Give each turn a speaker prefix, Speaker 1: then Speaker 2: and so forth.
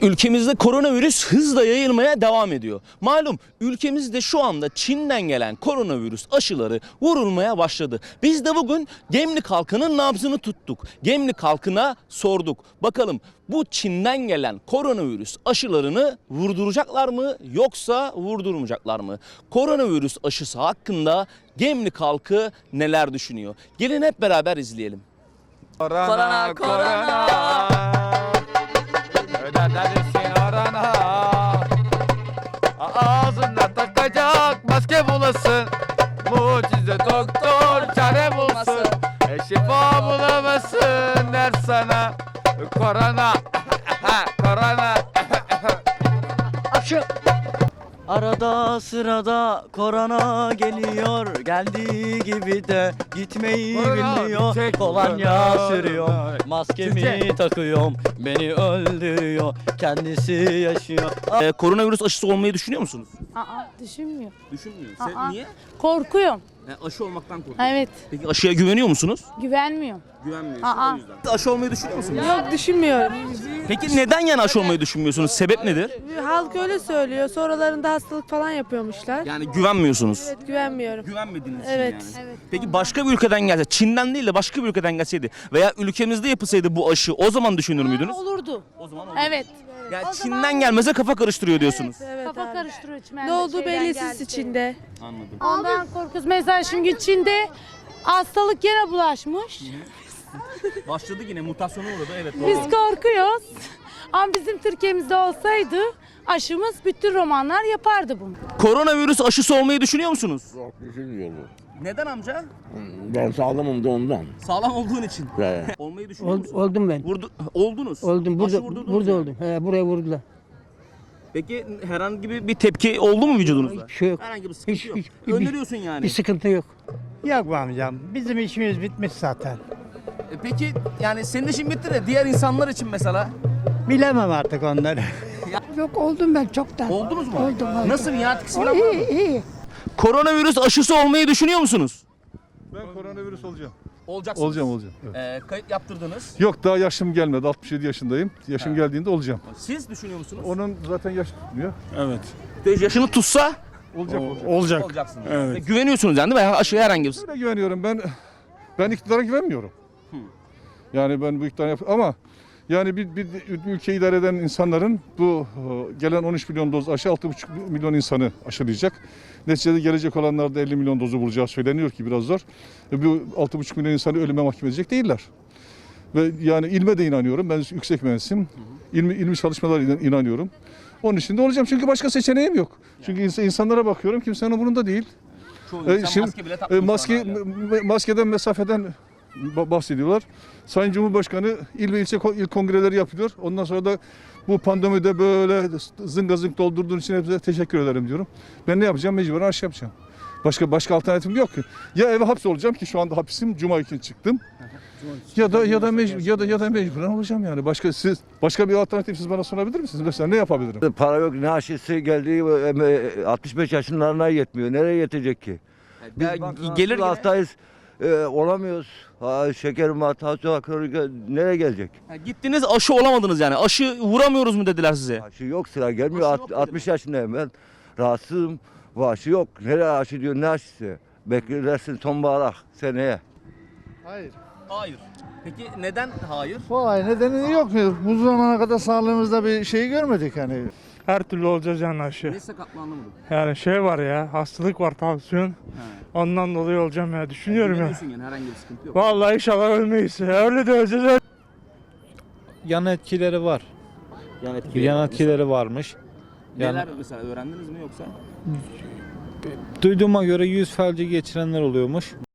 Speaker 1: Ülkemizde koronavirüs hızla yayılmaya devam ediyor. Malum ülkemizde şu anda Çin'den gelen koronavirüs aşıları vurulmaya başladı. Biz de bugün Gemlik halkının nabzını tuttuk. Gemlik halkına sorduk. Bakalım bu Çin'den gelen koronavirüs aşılarını vurduracaklar mı yoksa vurdurmayacaklar mı? Koronavirüs aşısı hakkında Gemlik halkı neler düşünüyor? Gelin hep beraber izleyelim.
Speaker 2: Korona, korona. Neredesin arana? Ağzında takacak maske bulasın. Mucize doktor çare bulsun. Şifa bulamasın der sana. Korona, korona.
Speaker 3: Arada sırada korona geliyor, geldiği gibi de gitmeyi
Speaker 2: Korona,
Speaker 3: bilmiyor.
Speaker 2: çek.
Speaker 3: Kolonya
Speaker 2: Korona.
Speaker 3: sürüyorum, maskemi
Speaker 2: Çek.
Speaker 3: takıyorum, beni öldürüyor, kendisi yaşıyor.
Speaker 1: Koronavirüs aşısı olmayı düşünüyor musunuz?
Speaker 4: Düşünmüyor.
Speaker 1: Düşünmüyor.
Speaker 4: Aa.
Speaker 1: Niye?
Speaker 4: Korkuyorum.
Speaker 1: Aşı olmaktan korkuyor.
Speaker 4: Evet.
Speaker 1: Peki aşıya güveniyor musunuz?
Speaker 4: Güvenmiyorum.
Speaker 1: Güvenmiyorsun
Speaker 4: Aa.
Speaker 1: o yüzden. Aşı olmayı düşünüyor musunuz?
Speaker 5: Yok, düşünmüyorum.
Speaker 1: Peki neden yani aşı olmayı düşünmüyorsunuz? Sebep nedir?
Speaker 5: Halk öyle söylüyor. Sonralarında hastalık falan yapıyormuşlar.
Speaker 1: Yani güvenmiyorsunuz.
Speaker 5: Evet, güvenmiyorum.
Speaker 1: Güvenmediğiniz için
Speaker 5: Evet.
Speaker 1: yani. Peki başka bir ülkeden gelse, Çin'den değil de başka bir ülkeden gelseydi veya ülkemizde yapılsaydı bu aşı o zaman düşünür müydünüz?
Speaker 4: Olurdu.
Speaker 1: O zaman
Speaker 4: Evet.
Speaker 1: Yani Çin'den gelmese kafa karıştırıyor diyorsunuz.
Speaker 5: Evet
Speaker 4: Kafa
Speaker 5: abi.
Speaker 4: karıştırıyor
Speaker 5: Ne olduğu belirsiz içinde.
Speaker 1: Anladım.
Speaker 4: Ondan korkuyoruz. Mesela şimdi Çin'de hastalık gene bulaşmış.
Speaker 1: Başladı yine mutasyona uğradı evet.
Speaker 4: Biz korkuyoruz. Ama bizim Türkiye'mizde olsaydı aşımız bütün romanlar yapardı bunu.
Speaker 1: Koronavirüs aşısı olmayı düşünüyor musunuz?
Speaker 6: Yok, düşünmüyorum.
Speaker 1: Neden amca?
Speaker 6: Ben sağlamım da ondan.
Speaker 1: Sağlam olduğun için.
Speaker 6: He.
Speaker 1: Olmayı düşünüyor musunuz?
Speaker 7: Oldum ben.
Speaker 1: Oldunuz.
Speaker 7: Oldum.
Speaker 1: Aşı
Speaker 7: Burada
Speaker 1: vurdurdunuz
Speaker 7: burada
Speaker 1: yani.
Speaker 7: oldum. He, buraya vurdular.
Speaker 1: Peki herhangi bir tepki oldu mu vücudunuzda?
Speaker 7: Hiç şey yok.
Speaker 1: Herhangi bir sıkıntı
Speaker 7: Hiç-
Speaker 1: yok.
Speaker 7: hiç-
Speaker 1: Öneriyorsun yani.
Speaker 7: Bir sıkıntı yok.
Speaker 8: Yok be amcam. Bizim işimiz bitmiş zaten.
Speaker 1: Peki yani senin işin bitti de diğer insanlar için mesela
Speaker 8: Bilemem artık onları.
Speaker 9: Yok oldum ben çoktan.
Speaker 1: oldunuz mu?
Speaker 9: Oldum.
Speaker 1: Nasıl bir ya? Etkisi falan var mı?
Speaker 9: İyi.
Speaker 1: Koronavirüs aşısı olmayı düşünüyor musunuz?
Speaker 10: Ben koronavirüs olacağım.
Speaker 1: Olacaksınız.
Speaker 10: Olacağım. Evet.
Speaker 1: Kayıt yaptırdınız.
Speaker 10: Yok daha yaşım gelmedi. 67 yaşındayım. Yaşım geldiğinde olacağım.
Speaker 1: Siz düşünüyor musunuz?
Speaker 10: Onun zaten yaş tutmuyor.
Speaker 1: Yaşını tutsa
Speaker 10: Olacak.
Speaker 1: olacaksınız. Güveniyorsunuz yani değil mi? Aşıya herhangi bir.
Speaker 10: Öyle güveniyorum. Ben iktidara güvenmiyorum. Yani ben bu iktidara ama yani bir ülkeyi idare eden insanların bu gelen 13 milyon doz aşı 6,5 milyon insanı aşılayacak. Neticede gelecek olanlarda 50 milyon dozu bulacağı söyleniyor ki biraz zor. Bu 6,5 milyon insanı ölüme mahkum edecek değiller. Ve yani ilme de inanıyorum. Ben yüksek mühendisim. İlmi çalışmalara inanıyorum. Onun için de olacağım çünkü başka seçeneğim yok. Çünkü insanlara bakıyorum kimsenin umurunda değil. Şimdi maskeden mesafeden bahsediyorlar. Sayın Cumhurbaşkanı il ve ilçe il kongreleri yapıyor. Ondan sonra da bu pandemide böyle zınga zınk doldurduğun için hepsine teşekkür ederim diyorum. Ben ne yapacağım? Mecburen aşı yapacağım. Başka alternatifim yok ki. Ya eve hapsolacağım ki şu anda hapisim. Cuma için çıktım. Ya da mecburen olacağım yani. Başka bir alternatif siz bana sunabilir misiniz? Mesela ne yapabilirim?
Speaker 6: Para yok, ne aşısı geldi 65 yaşlarına yetmiyor. Nereye yetecek ki? Biz
Speaker 1: gelir yine.
Speaker 6: hastayız, olamıyoruz. Şekerim var, tansiyon var, nereye gelecek?
Speaker 1: Gittiniz aşı olamadınız yani. Aşı vuramıyoruz mu dediler size?
Speaker 6: Aşı yok, sıra gelmiyor.
Speaker 1: Aşı yok dedi.
Speaker 6: 60 yaşındayım ben. Rahatsızım. Bu aşı yok. Nereye aşı diyor, ne aşısı? Beklersin sonbahara seneye.
Speaker 1: Hayır. Peki neden hayır?
Speaker 8: Vay nedeni yok. Bu zamana kadar sağlığımızda bir şey görmedik yani.
Speaker 11: Her türlü olacağız yani aşı.
Speaker 1: Ne sakatlı anlamadım.
Speaker 11: Yani şey var ya, hastalık var, tansiyon. Ondan dolayı olacağım ya, düşünüyorum ya.
Speaker 1: Güveniyorsun yani herhangi bir sıkıntı yok.
Speaker 11: Vallahi inşallah ölmeyiz. Öyle de öleceğiz.
Speaker 8: Yan etkileri var.
Speaker 1: Yani
Speaker 8: Yan etkileri varmış.
Speaker 1: neler mesela öğrendiniz mi yoksa?
Speaker 8: Duyduğuma göre yüz felci geçirenler oluyormuş.